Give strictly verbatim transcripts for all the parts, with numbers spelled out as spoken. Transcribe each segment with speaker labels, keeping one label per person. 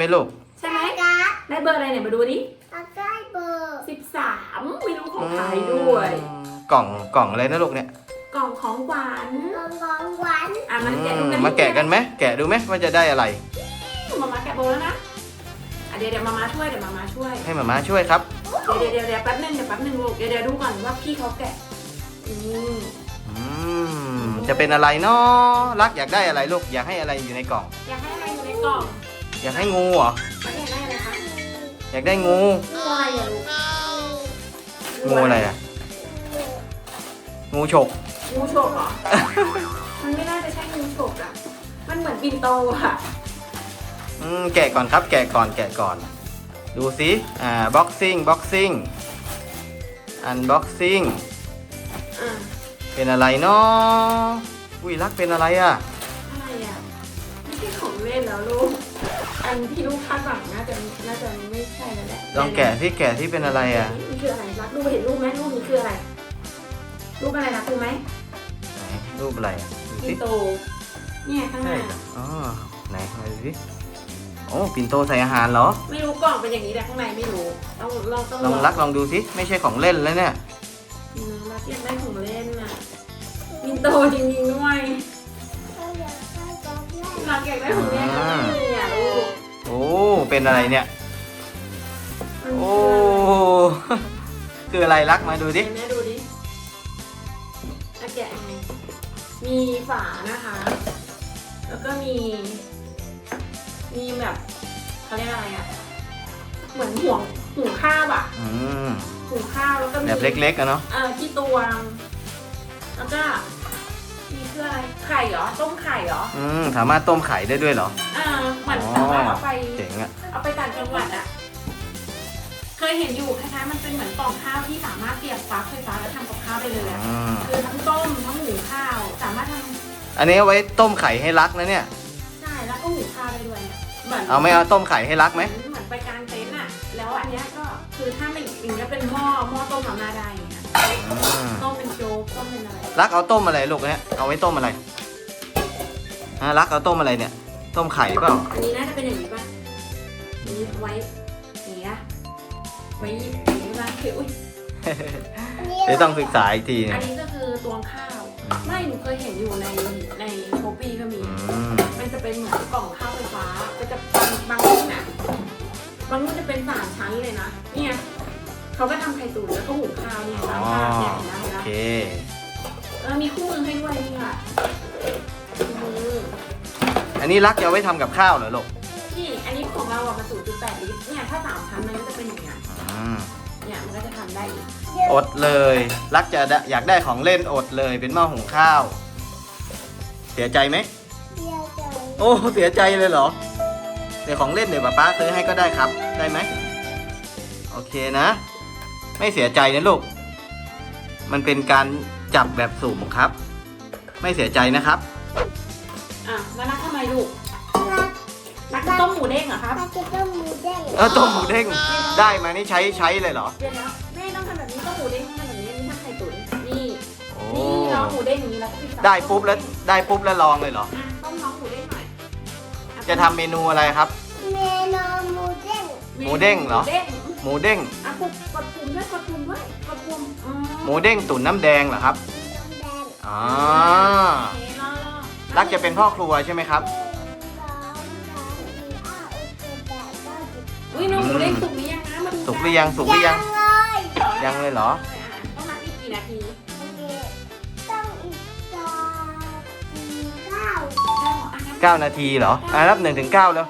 Speaker 1: ลูก
Speaker 2: ใช่ไหมได้เบอร์อะไรเนี่ยมาดูดิ
Speaker 3: ได้เบอร์
Speaker 2: สิบสามไม่รู้ของใครด้วย
Speaker 1: กล่องกล่องอะไรนะลูกเนี่ย
Speaker 2: กล่องของหวาน
Speaker 3: กล่องของหวาน
Speaker 2: อ่ะมันแกะดูกัน
Speaker 1: มาแกะกันไหมแกะดูไหมว่าจะได้อะไร
Speaker 2: มามาแกะโบแล้วนะอ่ะเดี๋ยวเดี๋ยวมามาช่วยเดี๋ยวมามาช่วย
Speaker 1: ให้มามาช่วยครับ
Speaker 2: เดี๋ยวเดี๋ยวเดี๋ยวแป๊บนึงเดี๋ยวแป๊บนึงลูกเดี๋ยวเดี๋ยวดูก่อนว่าพี่เขาแกะอืม
Speaker 1: อืมจะเป็นอะไรเนาะรักอยากได้อะไรลูกอยากให้อะไรอยู่ในกล่อง
Speaker 2: อยากให้อะไรอยู่ในกล่อง
Speaker 1: อยากให้งูเหรอ
Speaker 2: อยากได้อะไรคะ
Speaker 1: อยากได้งู
Speaker 2: งูอะไรอ่ะลูก
Speaker 1: งูอะไรอ่ะงูฉก
Speaker 2: งูฉกเหรอมันไม่น่าจะใช่งูฉกอ่ะมันเหมือนปิ่นโตอ่ะ
Speaker 1: อืมแกะก่อนครับแกะก่อนแกะก่อนดูสิอ่าบ็อกซิ่งบ็อกซิ่งอันบ็อกซิ่งเป็นอะไรเนาะอุ้ยรักเป็นอะไรอ่ะ
Speaker 2: อะไรอ่ะไม่ใช่ของเล่นแล้วลูกอันที่ลูกคาดหวังน่าจะน่าจะไม่ใช่แล้วแหละ
Speaker 1: ลองแกะที่แกะที่เป็นอะไรอ่ะ
Speaker 2: นี่คืออะไรรักลูกเห็นรูปไหมรูปนี้คืออะไรรูปอะไรนะดูไหม
Speaker 1: ไหนรูปอะไร
Speaker 2: ปิ่นโตเนี่ยข้างหน้า
Speaker 1: อ๋อไหนมาดูสิโอ้ปิ่นโตใส่อาหารเหรอ
Speaker 2: ไม่รู้กล่องเป็นอย่างนี้แต่ข้างในไม่รู้ต้องลองต้อง
Speaker 1: ลองรักลองดูสิไม่ใช่ของเล่นแล้วเนี่ย
Speaker 2: รักอยากได้ของเล่นน่ะปิ่นโตจริงๆด้วยรักอยากได้ของเล่นก็ไม่มีอ่ะลูก
Speaker 1: โอ้เป็นอะไรเนี่ยโอ้คืออะไรรักมาดูดิ
Speaker 2: แม่ดูดิแกะยังไงมีฝานะคะแล้วก็มีมีแบบเขาเรียกอะไรอ่ะเหมือนห่วงหุงข้าวอ่ะหุงข้าวแล้วก็มี
Speaker 1: แบบเล็กๆอะเนาะ
Speaker 2: เออที่ตวงแล้วก็มีเพื่ออะไรไข่เหรอต้มไข่เหรอ
Speaker 1: อืมสามารถต้มไข่ได้ด้วยเหรอ
Speaker 2: เออเหมือนสามารถเอาไป
Speaker 1: เจ๋งอะ
Speaker 2: เอาไปต่างจังหวัดอ่ะเคยเห็นอยู่คล้ายๆมันเป็นเหมือนกล่องข้าวที่สามารถเสียบปลั๊กไฟฟ้าแล้วทำกับข้าวได้เลยอ่ะคือทั้งต้มทั้งหุงข้าวสามารถทำ
Speaker 1: อันนี้เอาไว้ต้มไข่ให้รักนะเนี่ย
Speaker 2: ใช่แล้วก็หุงข้าวได้ด้วย
Speaker 1: เหมือนเอาไม่เอาต้มไข่ให้รักไหม
Speaker 2: เหมือนไปกางเต็นท์อ่ะแล้วอันนี้ก็คือถ้าไม่อย่างนี้เป็นหม้อหม้อต้มมาม่าได้อย่างเงี้ยต้มเป็นโจ๊กต้มเป็นอะไร
Speaker 1: รักเอาต้มอะไรลูกเนี่ยเอาไว้ต้มอะไรฮะรักเอาต้มอะไรเนี่ยต้มไข่เปล่า
Speaker 2: อันนี้น่าจะเป็นอย่างนี้ป่ะนี้ไว้อย่างเงี้ยไว้อย่างนี้ป่ะคืออุ้ย
Speaker 1: เดี๋ยวต้องศึกษาอีกที
Speaker 2: อันนี้ก็คือตวงข้าวไม่หนูเคยเห็นอยู่ในในโชปี้ก็มีมันจะเป็นเหมือนกล่องข้าวไฟฟ้าก็จะบางบางรุ่นอ่ะบางรุ่นจะเป็นสามชั้นเลยนะเนี่ยเขาก็ทำไข่ตุ๋นแล้วก็หุงข้าวเนี่ยน้ำข้าวเนี่ยนะโอเคแล้วมีคู่มือให้ด้วยนี่ค่ะ
Speaker 1: อันนี้รักจะเอาไว้ทำกับข้าวเหรอลูก
Speaker 2: นี่อันนี้ของเราอะมาศูนย์จุดแปดลิตรเนี่ยถ้าสามชั้นมันก็จะเป็นอย่างเงี้ยเนี่ยมันก็จะทำได้อีก
Speaker 1: อดเลยรักจะอยากได้ของเล่นอดเลยเป็นหม้อหุงข้าวเสียใจไหม
Speaker 3: เสียใจ
Speaker 1: โอ้เสียใจเลยเหรอเดี๋ยวของเล่นเดี๋ยวป๊าป๊าซื้อให้ก็ได้ครับได้ไหมโอเคนะไม่เสียใจนะลูกมันเป็นการจับแบบสุ่มครับไม่เสียใจนะครับ
Speaker 2: อ่ะแล้วรักทำไมลูกรักต้มหมูเด้งเหรอครับ
Speaker 3: รักจะต้มหมูเด้ง
Speaker 1: เออต้มหมูเด้งได้มานี่ใช้ใช้เลยเหรอ
Speaker 2: เดี๋ยวนะแม่ต้องทำแบบนี้ต้มหมูเด้งทำแบบนี้นี่ทำไข่ตุ๋นนี่นี่เราหมูเด้งอย่างนี้แล้วก็
Speaker 1: ได้ปุ๊บแล้วได้ปุ๊บแล้วลองเลยเหรอ
Speaker 2: ต้มน้องหมูเด้งหน่อย
Speaker 1: จะทำเมนูอะไรครับ
Speaker 3: เมนูหมูเด้ง
Speaker 1: หมูเด้งเหรอหมูเด้ง
Speaker 2: อ่ะกดกดปุ่มด้วยกดปุ่มด้วยกดปุ่ม
Speaker 1: หมูเด้งตุ๋นน้ำแดงเหรอครับอ๋อรักจะเป็นพ่อครัวใช่ไหมครับ
Speaker 2: อุ้ยน้องหมูเด้งสุกหรือยังนะมาดู
Speaker 1: สุกหรือยังสุกหรือยังยังเลยเหรอ
Speaker 2: ต้องนับอีกกี่นาที
Speaker 3: ต้องอีกเก้า
Speaker 1: เก้านาทีเหรออ่ะนับหนึ่งถึงเก้าแล้ว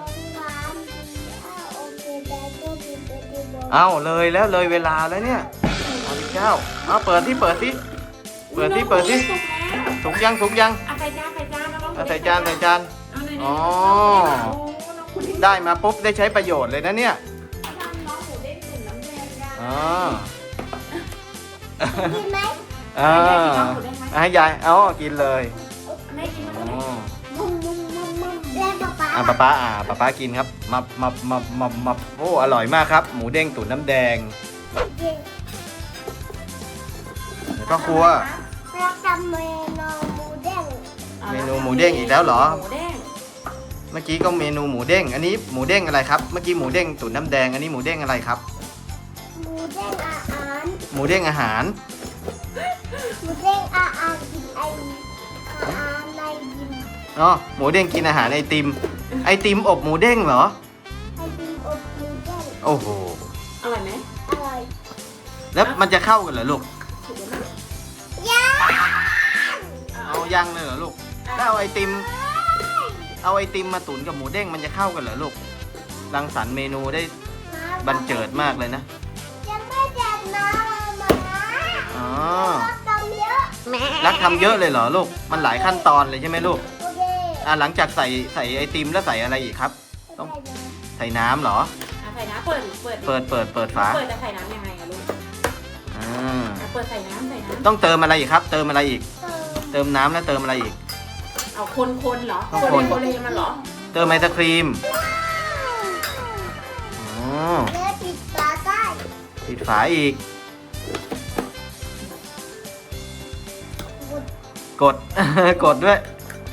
Speaker 1: เอาเลยแล้วเลยเวลาแล้วเนี่ยเอาที่เก้าเอาเปิดที่เปิดที่เปิดที่เปิดที่สุกยังสุกยัง
Speaker 2: ใส่จานใส่จาน
Speaker 1: ใส่จานใส่จานอ๋อได้มาปุ๊บได้ใช้ประโยชน์เลยนะเนี่ยอ๋อ
Speaker 3: กินไหม
Speaker 1: อ่าให้ยายเอากินเลย
Speaker 3: อ๋อ
Speaker 1: อ่าป๊าป๊าอ่าป๊าป๊ากินครับมามามามามาโอ้อร่อยมากครับหมูเด้งตุ๋นน้ำแดงแล้วก็ครัว
Speaker 3: เราทำเมนูหมูเด้ง
Speaker 1: เมนูหมูเด้งอีกแล้วเหรอเมื่อกี้ก็เมนูหมูเด้ง อันนี้หมูเด้งอะไรครับ เมื่อกี้หมูเด้งตุ๋นน้ำแดง อันนี้หมูเด้งอะไรครับ
Speaker 3: หมูเด้งอาหาร
Speaker 1: หมูเด้งอาหาร
Speaker 3: หมูเด้งอาหารกินไออาหารในยิม
Speaker 1: อ๋อ หมูเด้งกินอาหารไอติม ไอติมอบหมูเด้งเหรอ
Speaker 3: ไอติมอบหมูเด้ง
Speaker 1: โอ้โห
Speaker 2: อร่อยไหม
Speaker 3: อร่อย
Speaker 1: แล้วมันจะเข้ากันเหรอลูก
Speaker 2: ถูกไหม
Speaker 3: ยา
Speaker 1: เอายังเลยเหรอลูก ถ้าเอาไอติม เอาไอติมมาตุ๋นกับหมูเด้งมันจะเข้ากันเหรอลูก รังสรรค์เมนูได้บันเจิดมากเลยนะ
Speaker 3: ยังไม่จัดน้ำมา
Speaker 1: อ๋อ
Speaker 3: ทำเยอะ
Speaker 1: รักทำเยอะเลยเหรอลูก มันหลายขั้นตอนเลยใช่ไหมลูก
Speaker 3: โอเค
Speaker 1: อ่าหลังจากใส่ใส่ไอติมแล้วใส่อะไรอีกครับ ต้อง ใส่น้ำเหรอ
Speaker 2: อ่ะใส่น้ำเปิดเปิด
Speaker 1: เปิดเปิดเปิดฝา
Speaker 2: เปิดจะใส่น้ำยังไงอะลูก
Speaker 1: อ่า
Speaker 2: อ่ะเปิดใส่น้ำใส่น้ำ
Speaker 1: ต้องเติมอะไรอีกครับ เติมอะไรอีก
Speaker 3: เติม
Speaker 1: เติมน้ำแล้วเติมอะไรอีก
Speaker 2: เอาคนคนๆเหรอ
Speaker 1: ต้อง
Speaker 2: คน
Speaker 1: คน
Speaker 2: เลยคนเลยมันเหรอ
Speaker 1: เติมไอศครีม อ๋อ
Speaker 3: แล้วปิดฝาใต้
Speaker 1: ปิดฝาอีก กด กดด้วย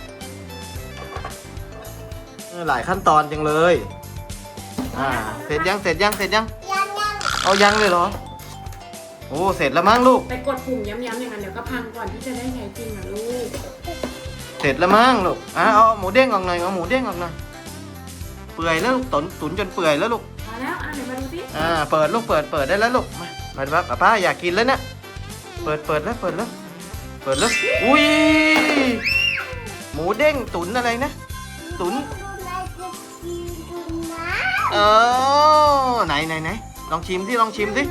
Speaker 1: เออหลายขั้นตอนจังเลย อ่า เสร็จยัง เสร็จยัง เสร็จยัง
Speaker 3: ยังยัง
Speaker 1: เอายังเลยเหรอ โอ้ เสร็จแล้วมั้งลูก
Speaker 2: ไปกดปุ่มย้ำๆอย่างนั้นเดี๋ยวก็พังก่อนที่จะได้ใช้จริงอะลูก
Speaker 1: เสร็จแล้วมั้งลูกอ่ะเอาหมูเด้งออกหน่อย เอาหมูเด้งออกหน่อย เปื่อยแล้วลูกตุ๋นตุ๋นจนเปื่อยแล้วลูก
Speaker 2: มาแล้วอ่ะเดี๋ยวมาดูสิ
Speaker 1: อ่า เปิดลูก เปิด เปิดได้แล้วลูก มามาป้าป้าป้าอยากกินแล้วเนี่ย เปิด เปิดแล้ว เปิดแล้ว เปิดแล้ว อุ้ย หมูเด้งตุ๋นอะไรนะ ตุ๋น
Speaker 3: ดูในจะกินดูนะ
Speaker 1: เออไหนไหนไหนลองชิมสิลองชิมสิ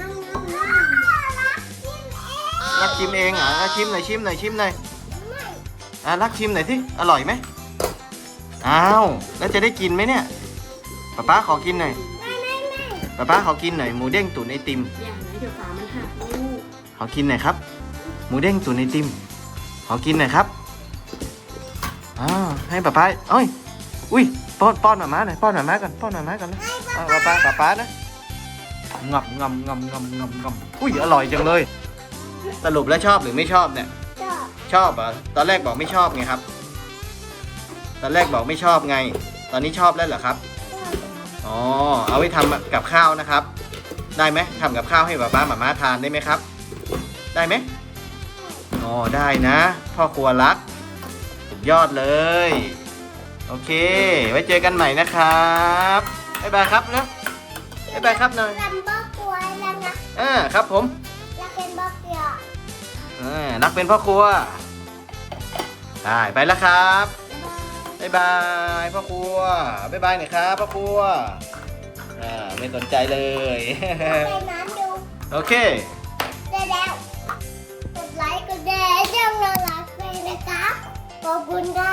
Speaker 1: รักชิมเองเหรอ่ะชิมหน่อยชิมหน่อยชิมหน่อยอ่ะรักชิมหน่อยสิอร่อยไหมอ้าวแล้วจะได้กินไหมเนี่ยป๊าป๊าขอกินหน่อย
Speaker 3: ไม่ไม่ไม่
Speaker 1: ป๊าป๊าขอกินหน่อยหมูเด้งตุ๋นไอติม
Speaker 2: อย่างไรเดี๋ยวฝามันหักลูก
Speaker 1: ขอกินหน่อยครับ หมูเด้งตุ๋นไอติมขอกินหน่อยครับอ้าวให้ป๊าป๊าเอ้ยอุ้ยป้อนป้อนหมาม้าหน่อยป้อนหมาม้าก่อนป้อนหมาม้าก่อนนะอ่ะป๊าป๊าป๊าป๊านะงับงำงำงำงำงำอุ้ยอร่อยจังเลยสรุปแล้วชอบหรือไม่ชอบเนี่ย
Speaker 3: ชอบ
Speaker 1: ชอบเหรอตอนแรกบอกไม่ชอบไงครับ ตอนแรกบอกไม่ชอบไง ตอนนี้ชอบแล้วเหรอครับ
Speaker 3: ชอบ
Speaker 1: อ๋อ เอาไว้ทำกับข้าวนะครับ ได้ไหมทำกับข้าวให้ป๊าป๊าหม่าม่าทานได้ไหมครับ ได้ไหมอ๋อ ได้นะ พ่อครัวรักสุดยอดเลย โอเค ไว้เจอกันใหม่นะครับบ๊ายบายครับนะบ๊ายบายครับหน่อย
Speaker 3: รันบอกกลัวแล้วนะ
Speaker 1: อ่าครับผม
Speaker 3: แล้วเป็นบอกเดียว
Speaker 1: อ่ารักเป็นพ่อครัวได้ไปแล้วครับ บ๊ายบายพ่อครัวบ๊ายบายหน่อยครับพ่อครัวอ่าไม่สนใจเลย
Speaker 3: ไปน้ำดู
Speaker 1: โอเค
Speaker 3: ได้แล้วกดไลค์กดแชร์ช่องเรารักเลยนะครับขอบคุณครับ